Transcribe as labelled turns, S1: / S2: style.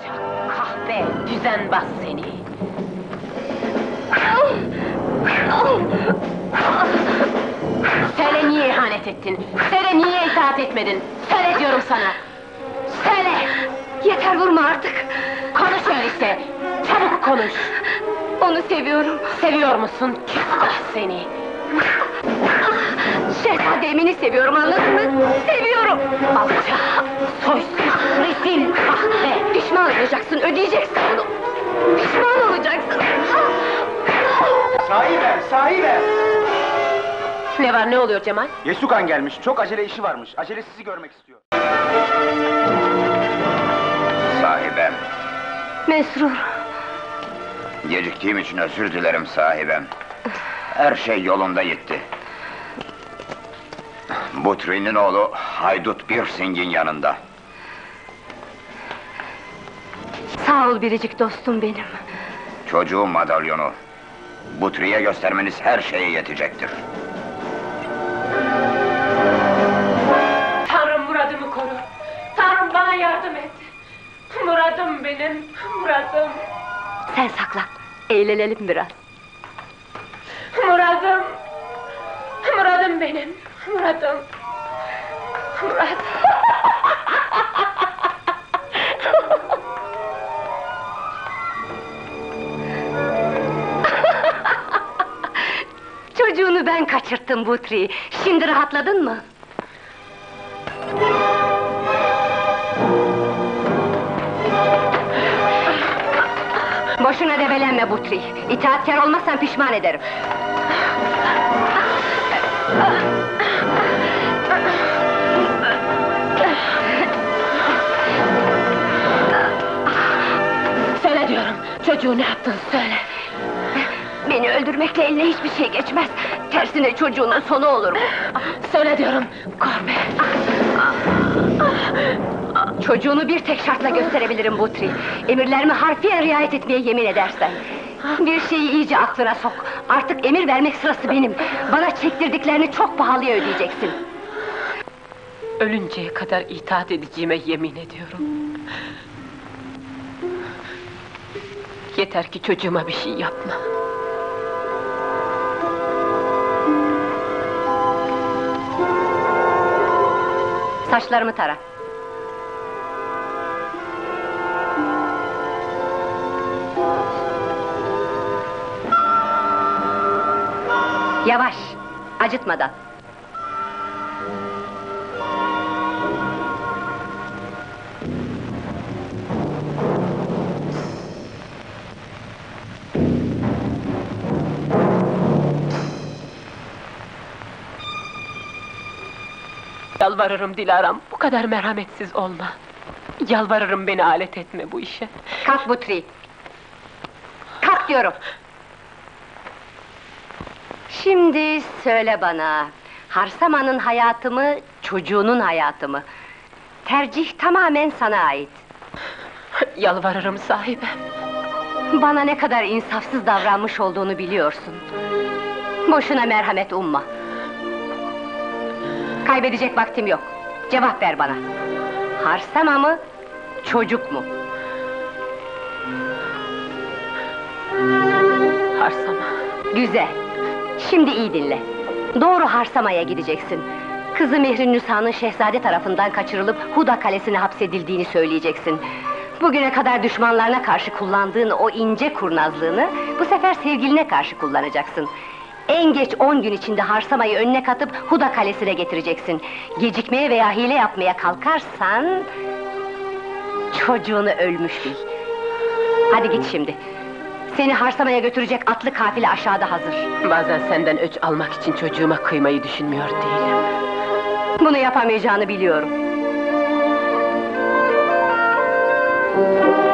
S1: Alçak, kahpe, düzenbaz seni! Söyle niye ihanet ettin? Söyle niye itaat etmedin? Söyle diyorum sana! Söyle!
S2: Yeter, vurma artık!
S1: Konuş öyleyse! Çabuk konuş!
S2: Onu seviyorum!
S1: Seviyor musun? Küstah seni!
S2: Şehzade Emin'i seviyorum, anladın mı? Seviyorum!
S1: Alçak, soysuz, rezil, kahpe!
S2: Pişman olacaksın, ödeyeceksin bunu! Pişman olacaksın!
S3: Sahibe, sahibe!
S1: Ne var, ne oluyor Cemal?
S3: Yesukan gelmiş, çok acele işi varmış. Acele sizi görmek istiyor.
S4: Sahibem,
S2: Mesrur!
S4: geciktiğim için özür dilerim sahibem. Her şey yolunda gitti. Butri'nin oğlu Haydut Birsing'in yanında.
S2: Sağ ol biricik dostum benim!
S4: Çocuğun madalyonu. Butri'ye göstermeniz her şeye yetecektir.
S1: Tanrım muradımı koru! Tanrım bana yardım et! Muradım benim, muradım!
S2: Sen saklan, eğlenelim biraz!
S1: Muradım! Muradım benim, muradım! Muradım!
S2: Çocuğunu ben kaçırttım Butri! Şimdi rahatladın mı? Boşuna debelenme Butri! İtaatkar olmazsan pişman ederim!
S1: Söyle diyorum, çocuğu ne yaptın söyle!
S2: Beni öldürmekle eline hiçbir şey geçmez! Tersine çocuğunun sonu olur bu!
S1: Söyle diyorum, korkma!
S2: Çocuğunu bir tek şartla gösterebilirim Butri! Emirlerime harfiyen riayet etmeye yemin edersen! Bir şeyi iyice aklına sok! Artık emir vermek sırası benim! Bana çektirdiklerini çok pahalıya ödeyeceksin!
S1: Ölünceye kadar itaat edeceğime yemin ediyorum! Yeter ki çocuğuma bir şey yapma!
S2: Saçlarımı tara! Yavaş! Acıtmadan!
S1: Yalvarırım Dilaram, bu kadar merhametsiz olma! Yalvarırım beni alet etme bu işe!
S2: Kalk Butri! Kalk diyorum! Şimdi söyle bana, Harsama'nın hayatı mı, çocuğunun hayatı mı? Tercih tamamen sana ait.
S1: Yalvarırım sahibem!
S2: Bana ne kadar insafsız davranmış olduğunu biliyorsun. Boşuna merhamet umma. Kaybedecek vaktim yok. Cevap ver bana. Harsama mı, çocuk mu?
S1: Harsama!
S2: Güzel! Şimdi iyi dinle. Doğru Harsama'ya gideceksin. Kızı Mihrinnüsa'nın şehzade tarafından kaçırılıp Huda Kalesi'ne hapsedildiğini söyleyeceksin. Bugüne kadar düşmanlarına karşı kullandığın o ince kurnazlığını bu sefer sevgiline karşı kullanacaksın. En geç 10 gün içinde Harsama'yı önüne katıp Huda Kalesi'ne getireceksin. Gecikmeye veya hile yapmaya kalkarsan çocuğunu ölmüş bil. Hadi git şimdi. Seni Harsama'ya götürecek atlı kafile aşağıda hazır.
S1: Bazen senden öç almak için çocuğuma kıymayı düşünmüyor değilim.
S2: Bunu yapamayacağını biliyorum.